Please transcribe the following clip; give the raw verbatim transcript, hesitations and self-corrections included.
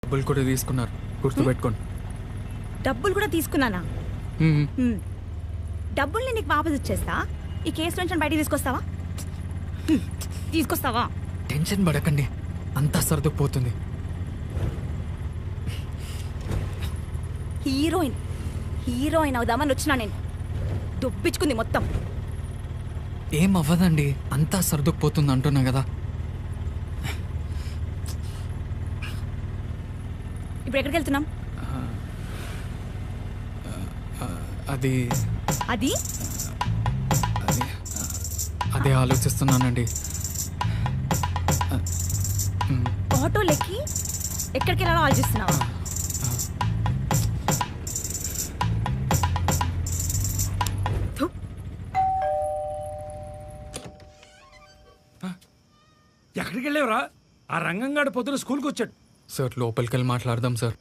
డబ్బులు కూడా తీసుకున్నారు, గుర్తుపెట్టుకోండి. డబ్బులు కూడా తీసుకున్నానా? మ్మ్. హ్మ్. డబ్బుల్ని నీకు వాపస్ ఇచ్చేస్తా. ఈ కేసు నుంచి బయటికి తీసుకొస్తావా? హ్మ్. తీసుకొస్తావా? టెన్షన్ పడకండి, అంతా సర్దుకుపోతుంది. హీరోయిన్ హీరోయిన్ అవుదామని వచ్చినా నేను. దొబ్బించుకుంది మొత్తం. ఏం అవ్వదండి, అంతా సర్దుకుపోతుంది అంటున్నా కదా. ఇప్పుడు ఎక్కడికి వెళ్తున్నాం? అది అది అది అదే ఆలోచిస్తున్నానండి. ఆటోలెక్కి ఎక్కడికి వెళ్ళాలో ఆలోచిస్తున్నావా? థు. ఎక్కడికి వెళ్ళేవరా? ఆ రంగంగాడు పొద్దున స్కూల్కి వచ్చాడు. సార్ లోపలికి వెళ్ళి మాట్లాడదాం సార్.